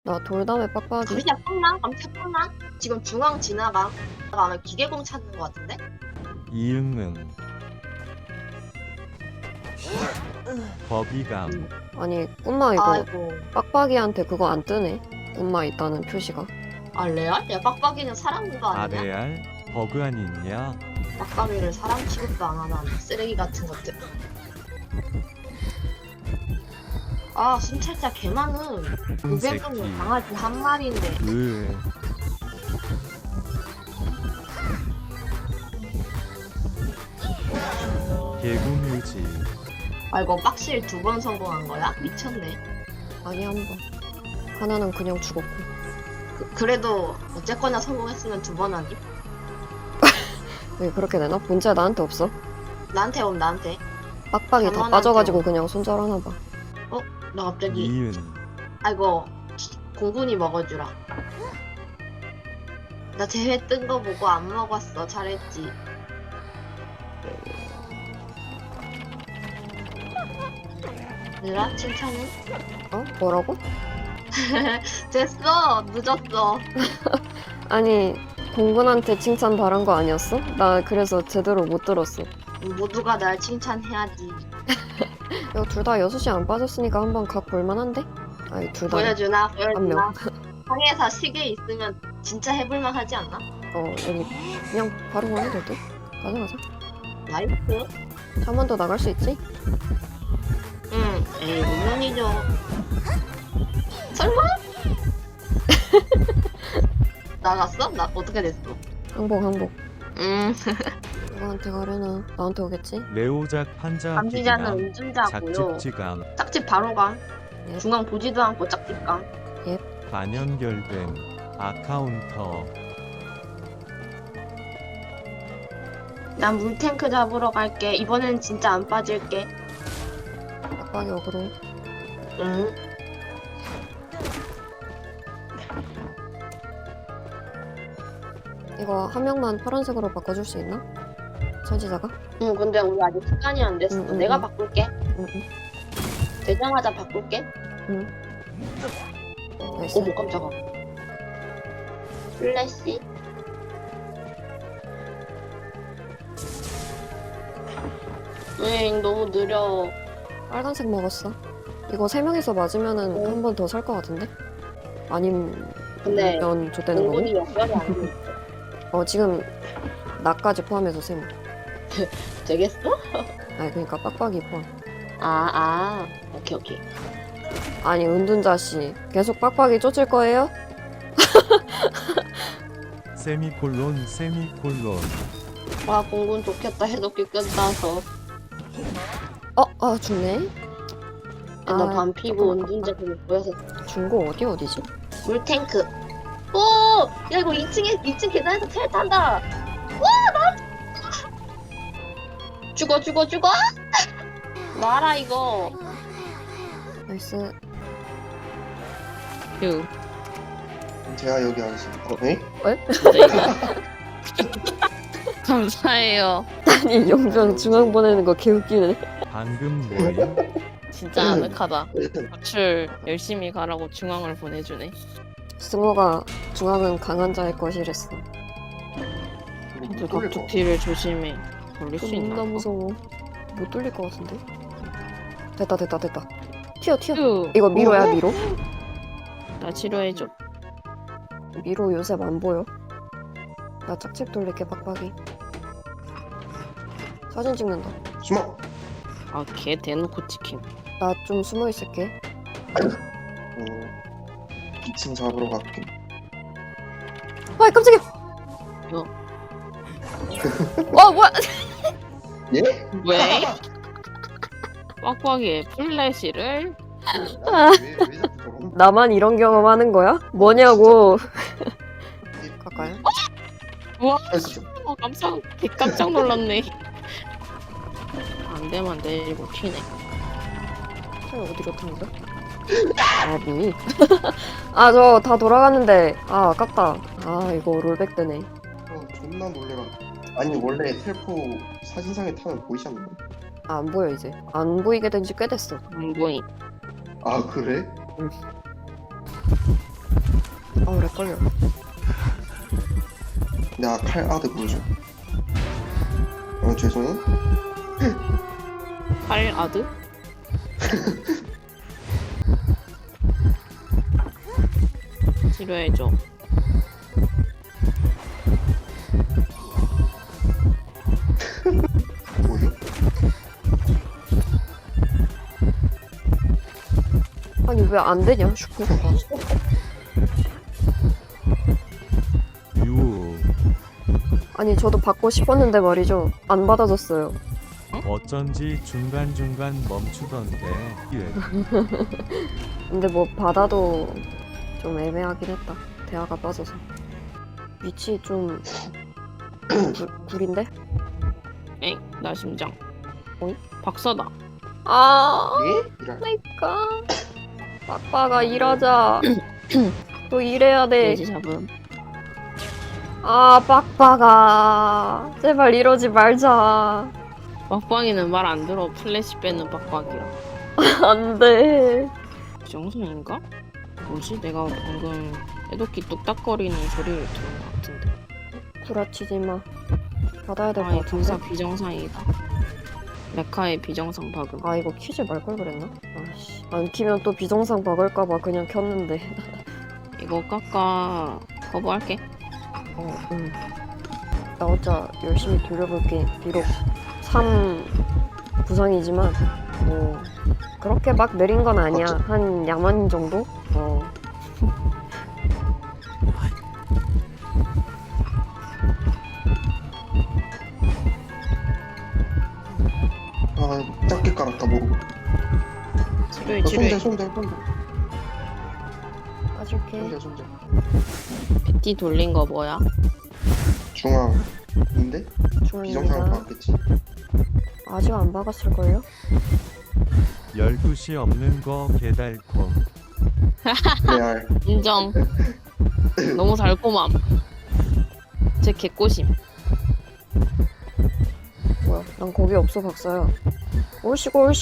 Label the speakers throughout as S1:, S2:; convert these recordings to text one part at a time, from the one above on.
S1: 나 돌담에 빡빡이.
S2: 감시야 뽕나? 감시야 뽕나? 지금 중앙 지나가. 아마 기계공 찾는 것 같은데?
S3: 이응응 버비감
S1: 아니 꿈마 이거
S2: 아이고.
S1: 빡빡이한테 그거 안 뜨네. 꿈마 있다는 표시가.
S2: 아 레알? 야 빡빡이는 사람인 거 아니냐?
S3: 아레알 버그 아니냐?
S2: 빡빡이를 사람 취급도 안 하는 쓰레기 같은 것들. 아 순찰자 개 많음.
S3: 새끼
S2: 500은 강아지 한 마리인데.
S3: 으 개구뮤지
S2: 아 이거 빡실 2번 성공한 거야? 미쳤네.
S1: 아니 한 번. 하나는 그냥 죽었고.
S2: 그래도 어쨌거나 성공했으면 2번 아니?
S1: 왜 그렇게 되나? 본체 나한테 없어.
S2: 나한테 옴 나한테.
S1: 빡빡이 다
S2: 전원한테
S1: 빠져가지고 그냥 손절하나 봐.
S2: 나 갑자기
S3: 이은
S2: 아이고 공군이 먹어주라. 나 대회 뜬 거 보고 안 먹었어. 잘했지. 얘들아 칭찬해.
S1: 어? 뭐라고?
S2: 됐어. 늦었어.
S1: 아니 공군한테 칭찬 바란 거 아니었어? 나 그래서 제대로 못 들었어.
S2: 모두가 날 칭찬해야지.
S1: 이거 둘 다 6시 안 빠졌으니까 한번 각 볼만한데? 아니 둘 다.
S2: 보여주나?
S1: 한 명.
S2: 보여주나? 항해사 시계 있으면 진짜 해볼만 하지 않나?
S1: 여기 그냥 바로 가면 될 듯? 가자 가자.
S2: 나이스.
S1: 한 번 더 나갈 수 있지?
S2: 응. 에이 물론이죠. 설마? 나갔어? 나 어떻게 됐어?
S1: 항복 항복.
S2: 음.
S1: 누구한테 가려나? 나한테 오겠지?
S3: 레오작 판자
S2: 감시자는
S3: 기기감
S2: 운전자고요.
S3: 작집지감
S2: 짝집 바로 감.
S1: 예.
S2: 중앙 보지도 않고 짝집 감.
S3: 반연결된 아카운터
S2: 난 물탱크 잡으러 갈게. 이번엔 진짜 안 빠질게.
S1: 빡빡이 어그로.
S2: 응.
S1: 이거 한 명만 파란색으로 바꿔줄 수 있나? 설치자가?
S2: 응, 근데 우리 아직 시간이 안 됐어.
S1: 응,
S2: 내가
S1: 응.
S2: 바꿀게.
S1: 응.
S2: 되자마자 바꿀게.
S1: 나이스.
S2: 어머, 깜짝아. 플래시? 응, 너무 느려.
S1: 빨간색 먹었어. 이거 3명이서 맞으면은
S2: 어.
S1: 한 번 더 살 것 같은데? 아니면
S2: 근데
S1: 좆되는 거고?
S2: 공군이 연결이 안 돼.
S1: 지금 나까지 포함해서 3명.
S2: 되겠어?
S1: 아니 그러니까 빡빡이 포함.
S2: 오케이, 오케이.
S1: 아니 은둔자씨 계속 빡빡이 쫓을 거예요?
S3: 세미콜론 세미콜론
S2: 와, 공군 좋겠다. 해독기 끝나서.
S1: 죽네.
S2: 너
S1: 아,
S2: 반 피고
S1: 조금
S2: 운전자 좀 보여서.
S1: 중고 어디지?
S2: 물탱크. 오! 야, 이거 2층 계단에서 텔 탄다! 와, 죽어! 놔라, 이거.
S1: 나이스.
S2: 휴.
S4: 제가 여기 하겠습니다. 네?
S5: 감사해요.
S1: 아니 용병 중앙 보내는 거 개웃기네.
S3: 방금 뭐임?
S5: 진짜 아늑하다. 구출 열심히 가라고 중앙을 보내주네.
S1: 승호가 중앙은 강한 자의 것이랬어.
S5: 저 각두피를 조심해. 걸릴 수 있나?
S1: 존나 무서워. 못 뚫릴 것 같은데? 됐다. 튀어.
S5: 휴.
S1: 이거 미로야 미로?
S5: 나 치료해줘.
S1: 미로 요새 안 보여. 나 짝집 돌릴게 빡빡이. 사진 찍는다.
S4: 숨어.
S5: 아, 걔 대놓고 치킨.
S1: 나 좀 숨어 있을게.
S4: 2층 잡으러 갈게.
S1: 아이 깜짝이야.
S5: 어.
S1: 뭐야?
S4: 예?
S5: 왜? 빡빡이의 플래시를?
S4: 왜 자꾸 저런?
S1: 나만 이런 경험 하는 거야? 뭐냐고. 갈까요?
S4: 아이고,
S5: 깜짝 놀랐네. 안 되면 내리고 튀네.
S1: 차 어디로 타는 거야? 뭐니? 저 다 돌아갔는데 아깝다. 이거 롤백 되네.
S4: 존나 놀래라. 아니 원래 텔포 사진상에 타면 보이셨나요?
S1: 안 보여 이제. 안 보이게 된 지 꽤 됐어.
S5: 안 보임.
S4: 아 그래?
S1: 응. 오래 걸려.
S4: 내가 칼 아드 보여줘. 죄송.
S5: 팔 아드? 치료해줘.
S4: 뭐요?
S1: 아니 왜 안 되냐 슈퍼가.
S3: 유.
S1: 아니 저도 받고 싶었는데 말이죠. 안 받아줬어요.
S3: 어쩐지 중간중간 멈추던데. 예.
S1: 근데 뭐 받아도 좀 애매하긴 했다. 대화가 빠져서. 위치 좀 구린데?
S5: 엥? 나 심장.
S1: 어이?
S5: 박사다.
S1: 아,
S4: 예? 이랄.
S1: 그러니까 빡빡아 일하자. 또 일해야 돼.
S5: 돼지 잡음.
S1: 아 빡빡아 제발 이러지 말자.
S5: 빡빡이는 말 안 들어. 플래시 빼는 빡빡이라.
S1: 안돼.
S5: 정성인가? 뭐지? 내가 방금 해독기 뚝딱거리는 소리를 들은 것 같은데.
S1: 구라치지 마. 받아야 될 것
S5: 아이
S1: 같은데.
S5: 등사 비정상이다. 메카의 비정상 박음.
S1: 아 이거 키지 말 걸 그랬나? 아씨 안 키면 또 비정상 박을까봐 그냥 켰는데.
S5: 이거 깎아 거부할게.
S1: 응. 나 혼자 열심히 돌려볼게. 비록 3 부상이지만 뭐 그렇게 막 느린 건 아니야.
S4: 어째-
S1: 한 야만 정도?
S4: 작게 깔았다 모르고.
S5: 치료해 치료해.
S4: 손대.
S1: 까줄게.
S4: 손대.
S5: PT 돌린 거 뭐야?
S4: 중앙인데? 비정상을
S1: 중앙입니다.
S4: 받았겠지.
S1: 아직 안 박았을걸요?
S3: 12시 없는 거 개달콤.
S4: 레알.
S5: 인정. 너무 달콤함. 제 개꼬심.
S1: 뭐야 난 거기 없어 박사야. 올시고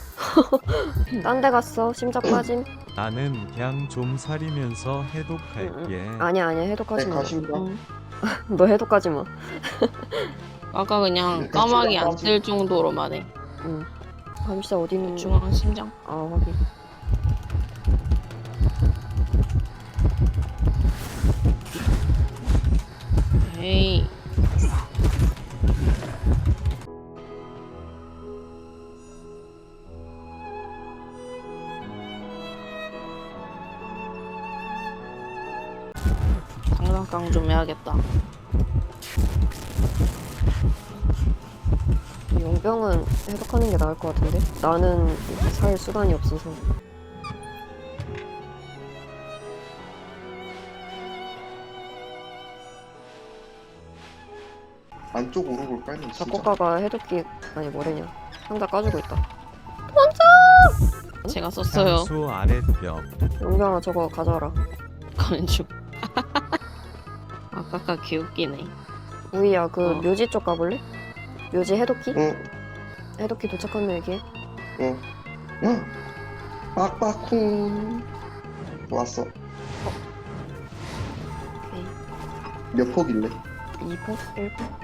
S1: 딴 데 갔어. 심장 빠짐.
S3: 나는 그냥 좀 사리면서 해독할게.
S1: 아니야
S4: 네,
S1: 해독하지 마.
S4: 가십니다.
S1: 너 해독하지 마.
S5: 아까 그냥
S4: 네,
S5: 까마귀 안
S4: 중앙까지.
S5: 뜰 정도로만 해.
S1: 응. 감시자 어디 있는
S5: 중앙 심장.
S1: 아 확인.
S5: 에이. 장난감 좀 해야겠다.
S1: 용병은 해독하는 게 나을 것 같은데? 나는 살 수단이 없어서.
S4: 안쪽 오르골 깔면 진짜.
S1: 작곡가가 해독기 아니 뭐래냐 상자 까주고 있다.
S5: 제가 썼어요.
S3: 향수 아랫벽.
S1: 용병아 저거 가져와라.
S5: 건축. 아까까 개웃기네.
S1: 우이야 그
S5: 어.
S1: 묘지 쪽 가볼래? 묘지 해독기?
S4: 응.
S1: 해독기 도착하면 얘기해.
S4: 응. 빡빡쿵. 왔어.
S1: 오케이.
S4: 몇 폭일래?
S1: 2포? 1포?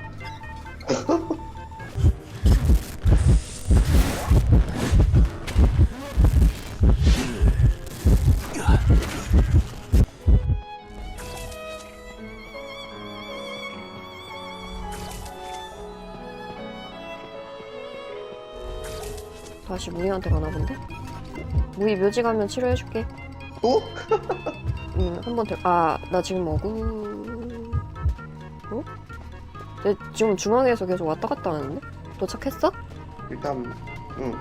S1: 다시 무이한테 가나 본데? 무이 묘지 가면 치료해줄게.
S4: 또?
S1: 응, 한 번 더. 아, 나 지금 어구. 어? 내 지금 중앙에서 계속 왔다 갔다 하는데? 도착했어?
S4: 일단 응.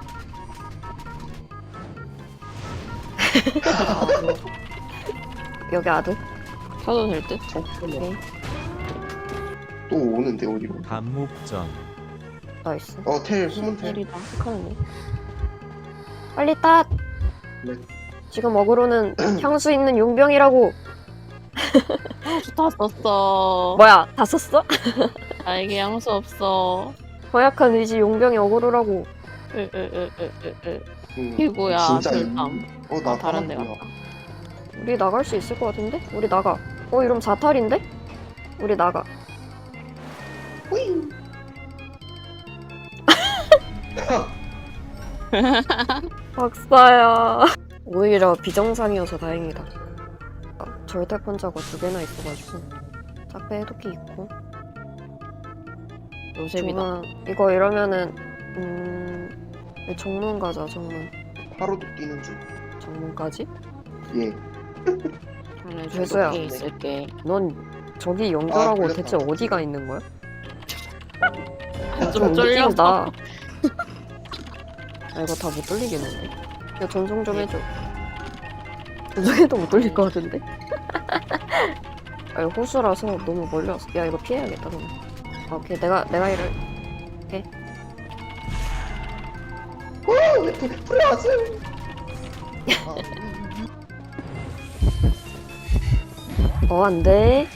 S1: 여기 아들.
S5: 사도 될 듯?
S4: 잠깐만. 또 오는데 어디로?
S3: 감목전.
S1: 나이스.
S4: 텔 후문 텔.
S5: 텔이다.
S1: 착하네. 빨리 땄!
S4: 네.
S1: 지금 어그로는 향수 있는 용병이라고.
S5: 다 썼어.
S1: 뭐야, 다 썼어?
S5: 나에게 향수 없어.
S1: 허약한 의지 용병이 어그로라고.
S5: 으으으으으으.
S4: 응.
S5: 이거야.
S4: 진짜
S5: 별담.
S4: 나
S5: 다른 데
S4: 뭐야?
S5: 갔다.
S1: 우리 나갈 수 있을 것 같은데? 우리 나가. 이러면 자탈인데? 우리 나가.
S4: 후이.
S1: 박사야. 오히려 비정상이어서 다행이다. 절대 판자가 2개나 있어가지고. 짝배 해독기 있고.
S5: 요셉이다.
S1: 정말 이거 이러면은 정문 가자. 정문.
S4: 바로도 뛰는 중.
S1: 정문까지?
S4: 예.
S5: 저는
S1: 죄수야.
S5: 저기 있을게.
S1: 넌 저기 연결하고
S4: 그랬다.
S1: 대체 어디가 있는 거야?
S5: 좀 쫄려서.
S1: 웃긴다. 이거 다 못 돌리겠는데? 야 전송 좀 해줘. 전송해도 못 돌릴 것 같은데? 이거 호수라서 너무 멀리 왔어. 야 이거 피해야겠다 그럼. 오케이 내가 이를
S4: 풀려왔어요.
S1: 안돼.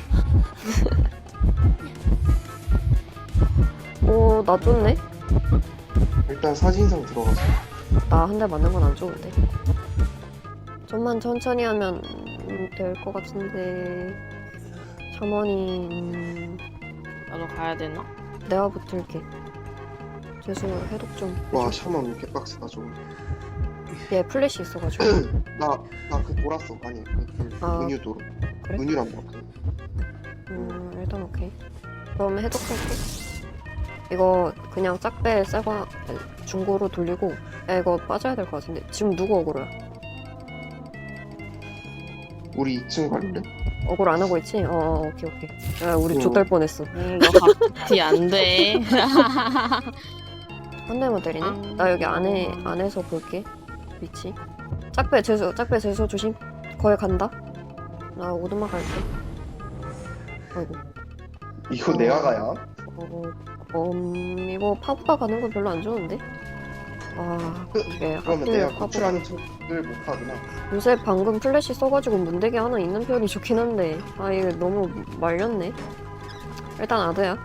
S1: 나 좋네.
S4: 일단 사진상 들어가서.
S1: 나 한 대 맞는 건 안 좋은데. 좀만 천천히 하면 될 것 같은데. 샤머니
S5: 나도 가야 되나?
S1: 내가 붙을게. 죄송 해독 좀.
S4: 와 샤먼 개빡세다 저거.
S1: 얘 플래시 있어가지고.
S4: 나 그 돌았어. 아니
S1: 아,
S4: 은유 도로.
S1: 그래?
S4: 은유란 뭐.
S1: 일단 오케이. 그럼 해독할게. 이거 그냥 짝배 새거 중고로 돌리고. 야 이거 빠져야 될 것 같은데. 지금 누구 억울해요?
S4: 우리 2층 갈래?
S1: 억울 안 하고 있지? 오케이. 야 우리
S4: 어.
S1: 좆될 뻔했어.
S5: 너 갑티 안 돼.
S1: 한 대만 때리네? 나 여기 안에서 볼게. 위치. 짝배 재수 조심. 거기 간다. 나 오두막 갈게. 아이고.
S4: 이거 내가 가야?
S1: 이거 파부가 가는 건 별로 안 좋은데? 이게
S4: 그러면
S1: 하필
S4: 내가
S1: 파부.
S4: 구출하는 척을 못하구나.
S1: 요새 방금 플래시 써가지고 문대기 하나 있는 편이 좋긴 한데 이게 너무 말렸네. 일단 아드야.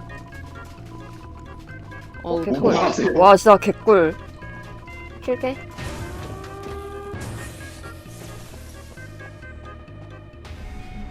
S5: 어우,
S1: 개꿀.
S4: 뭐야?
S1: 와 진짜 개꿀. 킬게.